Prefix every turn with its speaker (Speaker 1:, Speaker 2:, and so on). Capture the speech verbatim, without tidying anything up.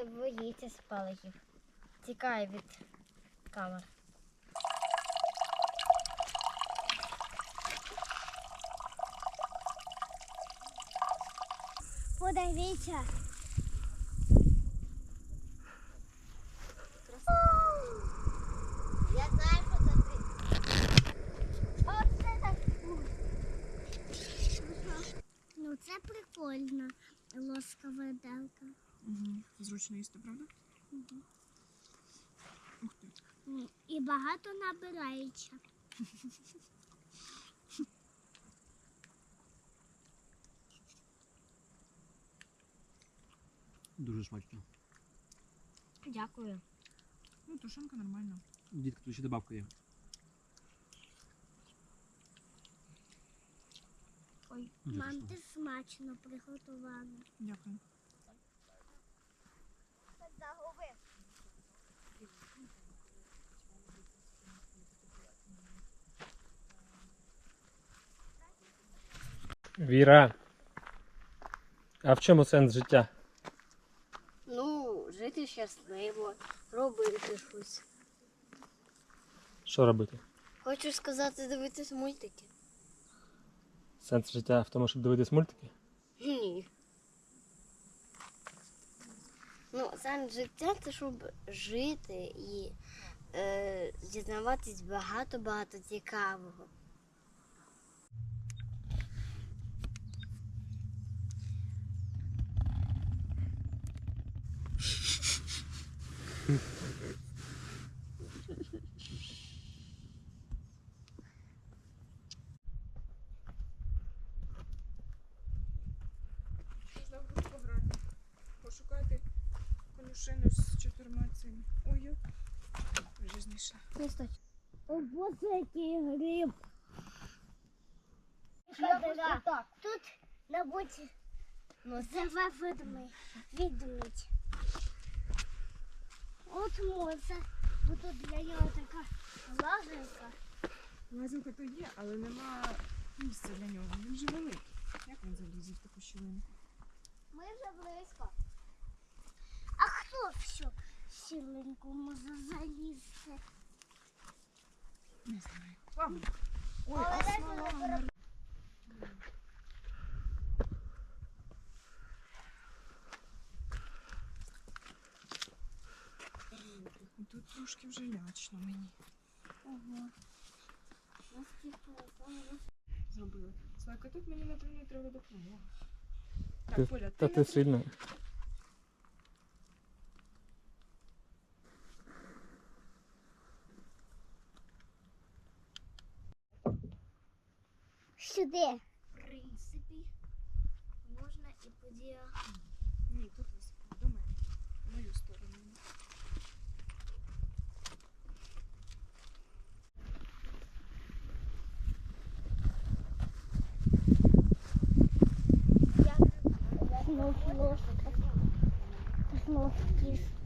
Speaker 1: не боїться спалахів. Тікає від камер. Подивіться. Я знаю, що це ти. Оце так. Ну це прикольно. Лоскова виделка.
Speaker 2: Угу. Зручно їсти, правда?
Speaker 1: Угу.
Speaker 2: Ух ти.
Speaker 1: І багато набирається.
Speaker 3: Дуже смачно.
Speaker 1: Дякую.
Speaker 2: Ну, тушенка нормальна.
Speaker 3: Дітка, тут ще добавка є.
Speaker 1: Ой,
Speaker 3: Дуже
Speaker 1: мам,
Speaker 3: смачно.
Speaker 1: ти смачно приготувала.
Speaker 2: Дякую.
Speaker 4: Віра, а в чому сенс життя?
Speaker 1: Ну, жити щасливо, робити щось.
Speaker 4: Що робити?
Speaker 1: Хочу сказати, дивитись мультики.
Speaker 4: Сенс життя в тому, щоб дивитись мультики?
Speaker 1: Ні. Ну, сенс життя це щоб жити і е, дізнаватись багато-багато цікавого.
Speaker 2: Можна в гру пограти. Пошукати конюшину з чотирма цими. Ой, вже знайшла.
Speaker 1: Не стой. О, боже, який гриб. Тут на боці живе ведмідь. Ведмідь. От може, бо тут для нього така лазанка.
Speaker 2: Лазинка то є, але нема місця для нього. Він же великий. Як він залізе в таку щілинку?
Speaker 1: Ми вже близько. А хто всю сіленьку може залізти?
Speaker 2: Не знаю. Ладно. Ой,
Speaker 1: Але
Speaker 2: а
Speaker 1: дайте
Speaker 2: смола
Speaker 1: не
Speaker 2: на- Тут трошки вже лячно мені.
Speaker 1: Ого.
Speaker 2: Зробили. Слайка, тут мені напевно треба допомога.
Speaker 4: Ти-
Speaker 2: Так, Поля,
Speaker 4: Та
Speaker 2: ти
Speaker 4: ти
Speaker 2: на-
Speaker 4: сильно.
Speaker 1: Сюди. В принципі, можна і по діагоналі.
Speaker 2: Ні, тут високо, до мене. В мою сторону.
Speaker 1: Знов ложка. Знов кіс.